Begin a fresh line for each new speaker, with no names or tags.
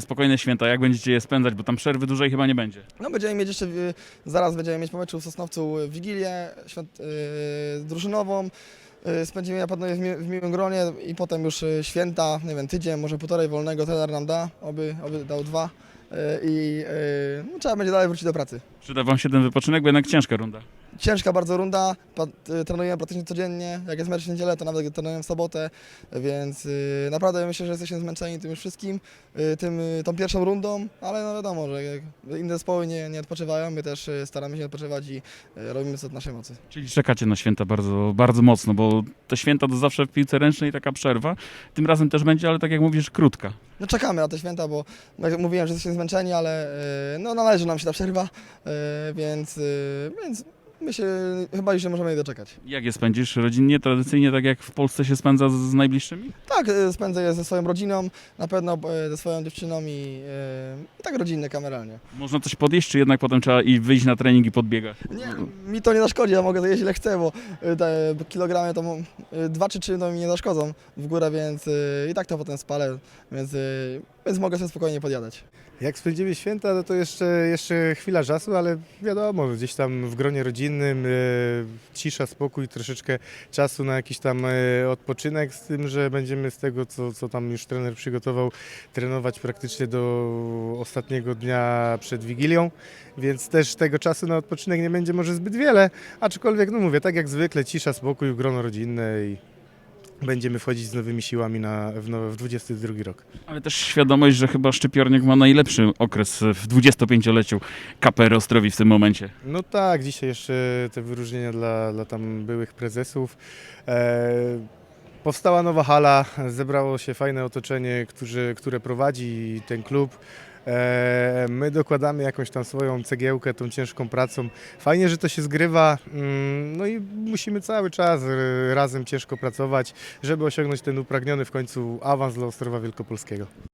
spokojne święta, jak będziecie je spędzać, bo tam przerwy dłużej chyba nie będzie.
No będziemy mieć jeszcze, zaraz będziemy mieć po meczu w Sosnowcu Wigilię drużynową. Spędzimy na pewno je w miłym gronie i potem już święta, nie wiem, tydzień, może półtorej wolnego trener nam da, oby dał 2 i no, trzeba będzie dalej wrócić do pracy.
Przyda wam się ten wypoczynek, bo jednak ciężka runda.
Ciężka bardzo runda, trenujemy praktycznie codziennie, jak jest mecz w niedzielę, to nawet trenujemy w sobotę, więc naprawdę myślę, że jesteśmy zmęczeni tym już wszystkim, tą pierwszą rundą, ale no wiadomo, że jak inne zespoły nie odpoczywają, my też staramy się odpoczywać i robimy co w naszej mocy.
Czyli czekacie na święta bardzo, bardzo mocno, bo te święta to zawsze w piłce ręcznej taka przerwa. Tym razem też będzie, ale tak jak mówisz, krótka.
No czekamy na te święta, bo jak mówiłem, że jesteśmy zmęczeni, ale no należy nam się ta przerwa, więc myślę, chyba już się możemy jej doczekać.
Jak je spędzisz rodzinnie, tradycyjnie, tak jak w Polsce się spędza z najbliższymi?
Tak, spędzę je ze swoją rodziną, na pewno ze swoją dziewczyną i tak rodzinnie, kameralnie.
Można coś podjeść, czy jednak potem trzeba i wyjść na trening i podbiegać?
Nie, mi to nie zaszkodzi, ja mogę to jeść ile chcę, bo te kilogramy to 2 czy 3 to mi nie zaszkodzą w górę, więc i tak to potem spalę, więc mogę sobie spokojnie podjadać.
Jak spędzimy święta, no to jeszcze chwila czasu, ale wiadomo, gdzieś tam w gronie rodzinnym, cisza, spokój, troszeczkę czasu na jakiś tam odpoczynek, z tym, że będziemy z tego, co tam już trener przygotował, trenować praktycznie do ostatniego dnia przed Wigilią, więc też tego czasu na odpoczynek nie będzie może zbyt wiele, aczkolwiek, no mówię, tak jak zwykle, cisza, spokój, grono rodzinne i będziemy wchodzić z nowymi siłami w 22 rok.
Ale też świadomość, że chyba Szczypiornik ma najlepszy okres w 25-leciu KPR Ostrowi w tym momencie.
No tak, dzisiaj jeszcze te wyróżnienia dla tam byłych prezesów. Powstała nowa hala, zebrało się fajne otoczenie, które prowadzi ten klub. My dokładamy jakąś tam swoją cegiełkę tą ciężką pracą. Fajnie, że to się zgrywa, no i musimy cały czas razem ciężko pracować, żeby osiągnąć ten upragniony w końcu awans dla Ostrowa Wielkopolskiego.